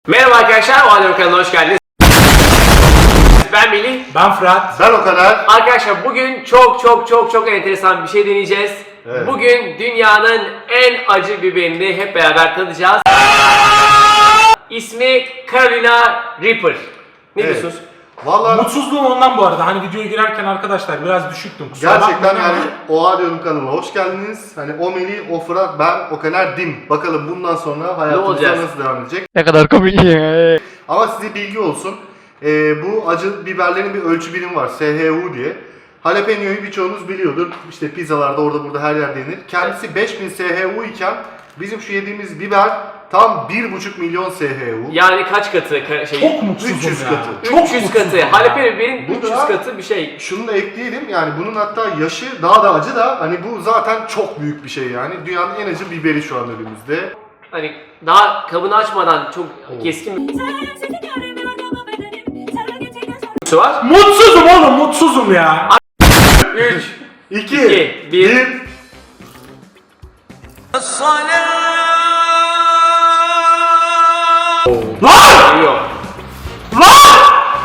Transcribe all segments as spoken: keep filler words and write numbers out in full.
Merhaba arkadaşlar, o halde kanalına hoş geldiniz. Ben Melih. Ben Fırat. Ben o kadar. Arkadaşlar bugün çok çok çok çok enteresan bir şey deneyeceğiz. Evet. Bugün dünyanın en acı biberini hep beraber tadacağız. İsmi Carolina Reaper. Ne Evet. diyorsunuz? Vallahi Mutsuzluğum ondan bu arada. Hani videoya girerken arkadaşlar biraz düşüktüm. Kusura gerçekten bakmayın yani ama- Oha diyorum kanalına hoş geldiniz. Hani o Melih, o Fırat, ben o kadar dim. Bakalım bundan sonra hayatımızda olacağız? nasıl devam edecek. Ne kadar komik ya. Ama size bilgi olsun. Ee, bu acı biberlerin bir ölçü birimi var. S H U diye. Jalapeno'yu birçoğunuz biliyordur. İşte pizzalarda orada burada her yerde yenir. Kendisi beş bin S H U iken bizim şu yediğimiz biber tam bir buçuk milyon S H U. Yani kaç katı ka- şey? Çok mutsuzum üç yüz ya. katı. Çok üç yüz mutsuzum katı. ya. Jalapeno biberin Bu üç yüz da- katı bir şey. Şunu da ekleyelim, yani bunun hatta yaşı daha da acı da, hani bu zaten çok büyük bir şey yani. Dünyanın en acı biberi şu an önümüzde. Hani daha kabını açmadan çok keskin bir su var. Mutsuzum oğlum, mutsuzum ya. üç, iki, İki, bir. bir. Lan! Yok. Lan!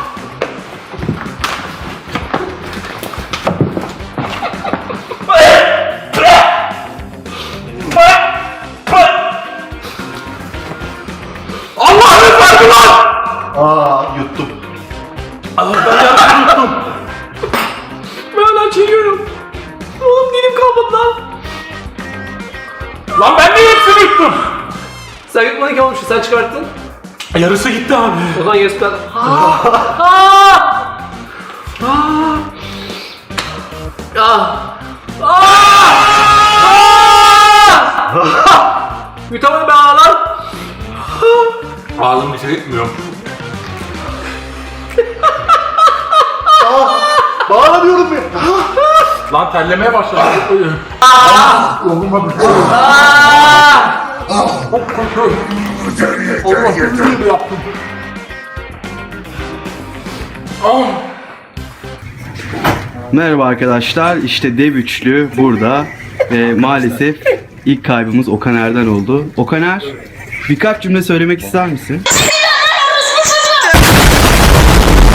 Allah'ını verdi lan! Aa, yuttum. Ben yanlış unuttum. Ben hala çekiyorum. Oğlum dilim kalmadı lan. Lan ben de hepsini yuttum. Sen yutmadın ki oğlum, şu sen çıkarttın. Yarısı gitti abi. O zaman yarısı kadar. Ha! Ha! Ah! Ah! Ah! Yutamadım ben lan. Ağzım bir şey etmiyor. Aa, bağlanıyorum ben. Lan terlemeye başladı. Olmadı. Çok kötü. Allah'ım gibi yaptım. Ah. Merhaba arkadaşlar, işte dev üçlü burada ve maalesef ilk kaybımız Okaner'den oldu. Okaner, birkaç cümle söylemek ister misin?